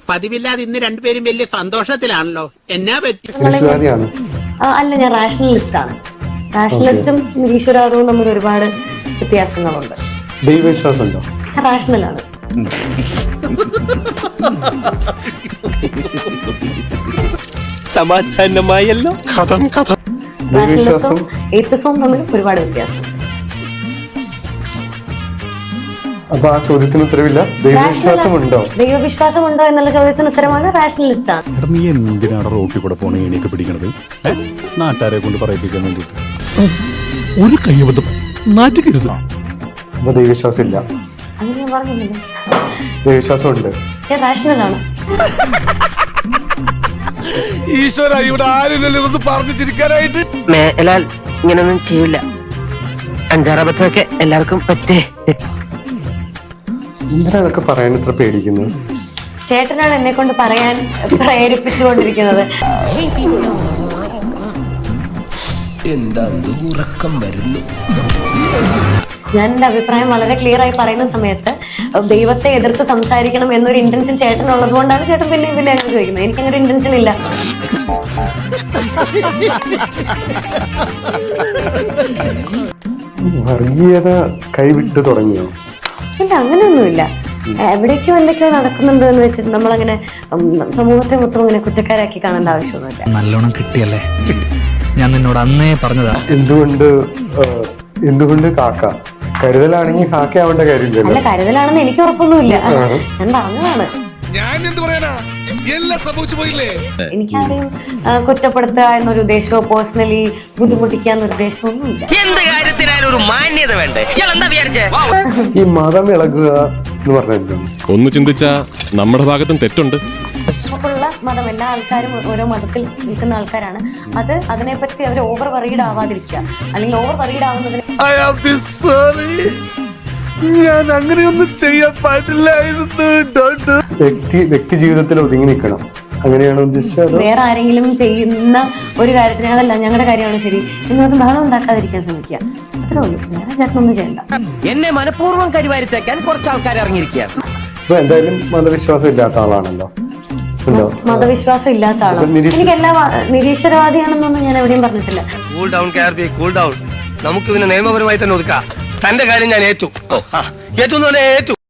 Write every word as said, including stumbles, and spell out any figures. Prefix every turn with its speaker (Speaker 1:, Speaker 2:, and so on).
Speaker 1: പതിവില്ലാതെ ഇന്ന് രണ്ടുപേരും വലിയ സന്തോഷത്തിലാണല്ലോ. എന്നാ പറ്റി?
Speaker 2: അല്ല, ഞാൻ റാഷണലിസ്റ്റ് ആണ്. റാഷണലിസ്റ്റും നിരീശ്വരവാദവും തമ്മിൽ ഒരുപാട് വ്യത്യാസങ്ങളുണ്ട്.
Speaker 3: ദൈവവിശ്വാസം ഉണ്ടോ?
Speaker 2: റാഷണലാണ്.
Speaker 4: സമാധാനമായല്ലോ.
Speaker 2: റാഷണലിസവും എയ്ത്തിസവും തമ്മിൽ ഒരുപാട് വ്യത്യാസം.
Speaker 3: അപ്പൊ ആ ചോദ്യത്തിന് ഉത്തരവില്ല. ദൈവവിശ്വാസം ഉണ്ടോ?
Speaker 2: ദൈവവിശ്വാസം ഉണ്ടോ എന്നുള്ള ചോദ്യത്തിന് ഉത്തരമാണ് റാഷണലിസ്റ്റ് ആണ്.
Speaker 5: നീ എന്തിനാണ് റോട്ടിൽ കൂടെ പോണ എണീക്ക് പിടിക്കണത്? നാട്ടുകാരെ കൊണ്ട് പറയിപ്പിക്കാൻ വേണ്ടിട്ട്
Speaker 6: ഒരു കൈവതം നാറ്റുകരുത്.
Speaker 3: അപ്പൊ ദൈവവിശ്വാസം ഇല്ല.
Speaker 2: അങ്ങനെ ഞാൻ പറഞ്ഞില്ല.
Speaker 3: ദൈവവിശ്വാസം ഉണ്ട്.
Speaker 2: ഞാൻ റാഷണലാണ്.
Speaker 6: ഈശ്വര, ഇവിടെ ആരില്ലല്ലോ ഇതൊന്ന് പറഞ്ഞു തിരിക്കാനായിട്ട്.
Speaker 7: മേലാൽ ഇങ്ങനൊന്നും ചെയ്യില്ല. അഞ്ചാറബത്തൊക്കെ എല്ലാവർക്കും പറ്റേ.
Speaker 3: എന്തിനാ അതൊക്കെ പറയാൻ ഇത്ര പേടിക്കുന്നത്?
Speaker 2: ചേട്ടനാണ് എന്നെ കൊണ്ട് പറയാൻ പ്രേരിപ്പിച്ചുകൊണ്ടിരിക്കുന്നത്.
Speaker 4: എന്താ ഉറക്കം വരുന്നു?
Speaker 2: ഞാൻ എന്റെ അഭിപ്രായം വളരെ ക്ലിയർ ആയി പറയുന്ന സമയത്ത് ദൈവത്തെ എതിർത്ത് സംസാരിക്കണം എന്നൊരു ഇന്റൻഷൻ ചേട്ടനുള്ളത് കൊണ്ടാണ് ചേട്ടൻ പിന്നെ പിന്നെ അങ്ങനെ ചോദിക്കുന്നത്. എനിക്ക് അങ്ങനെ ഇന്റൻഷൻ ഇല്ല.
Speaker 3: വർഗീയത കൈവിട്ടു തുടങ്ങിയോ?
Speaker 2: ഇല്ല, അങ്ങനെയൊന്നുമില്ല. എവിടേക്കോ എന്തൊക്കെയോ നടക്കുന്നുണ്ട് എന്ന് വെച്ചിട്ട് നമ്മളങ്ങനെ സമൂഹത്തെ മൊത്തം അങ്ങനെ കുറ്റക്കാരാക്കി കാണേണ്ട ആവശ്യമൊന്നുമില്ല.
Speaker 8: നല്ലോണം കിട്ടിയല്ലേ? ഞാൻ നിന്നോട് അന്നേ പറഞ്ഞതാ.
Speaker 3: എന്തുകൊണ്ട് എന്തുകൊണ്ട് കാക്ക? കരുതലാണെങ്കിൽ കാക്ക ആവേണ്ട കാര്യമില്ലല്ലോ.
Speaker 2: അല്ല, കരുതലാണെന്ന് എനിക്ക് ഉറപ്പൊന്നുമില്ല. ഞാൻ പറഞ്ഞതാണ്.
Speaker 6: ഞാൻ എന്ത് പറയാനാ, എല്ലാം സംഭവിച്ചു പോയില്ലേ.
Speaker 2: എനിക്കാരെയും കുറ്റപ്പെടുത്തുക എന്നൊരു ഉദ്ദേശമോ പേഴ്സണലി ബുദ്ധിമുട്ടിക്കുക എന്നൊരു ഉദ്ദേശമോ ഒന്നുമില്ല.
Speaker 7: എന്ത് കാര്യത്തിനായാലും ഒരു മാന്യത വേണ്ടേ? എന്താ വിചാരിച്ചേ?
Speaker 3: ഈ മതം ഇളകുക എന്ന് പറഞ്ഞാൽ
Speaker 5: ഒന്ന് ചിന്തിച്ചാ നമ്മുടെ ഭാഗത്തും തെറ്റുണ്ട്.
Speaker 2: നമുക്കുള്ള മതം, എല്ലാ ആൾക്കാരും ഓരോ മതത്തിൽ നിൽക്കുന്ന ആൾക്കാരാണ്. അത് അതിനെപ്പറ്റി അവർ ഓവർ വറീഡ് ആവാതിരിക്കുക, അല്ലെങ്കിൽ ഓവർ വറീഡ് ആവുന്നതിന്
Speaker 6: ഞാൻ അങ്ങനെയൊന്നും ചെയ്യാൻ പാടില്ലായിരുന്നു.
Speaker 3: വ്യക്തി വ്യക്തി ജീവിതത്തിൽ ഒതുങ്ങി നിൽക്കണം, അങ്ങനെയാണ് ഉദ്ദേശിച്ചത്.
Speaker 2: വേറെ ആരെങ്കിലും ചെയ്യുന്ന ഒരു കാര്യത്തിന് അതല്ല ഞങ്ങളുടെ കാര്യമാണ് ശരി എന്ന് പറഞ്ഞ് ബഹളം ഉണ്ടാക്കാതിരിക്കാൻ ശ്രമിക്കുക. അത്രേ ഉള്ളൂ. വേറെ ചേട്ടനൊന്നും ചെയ്യണ്ട.
Speaker 7: എന്നെ മനഃപൂർവ്വം കരിവാരിത്തേക്കാൻ കുറച്ച് ആൾക്കാർ ഇറങ്ങിയിരിക്കുകയാണ്.
Speaker 3: അപ്പൊ എന്തായാലും മതവിശ്വാസം ഇല്ലാത്ത ആളാണല്ലോ.
Speaker 2: മതവിശ്വാസം ഇല്ലാത്ത ആളാണ്. എനിക്ക് എല്ലാ നിരീശ്വരവാദിയാണെന്നൊന്നും ഞാൻ എവിടെയും പറഞ്ഞിട്ടില്ല.
Speaker 4: Cool down K R P, cool down. നമുക്ക് ഇതിനെ നിയമപരമായി തന്നെ ഒതുക്കാം. തന്റെ കാര്യം ഞാൻ ഏറ്റു. ഏറ്റു ഏറ്റു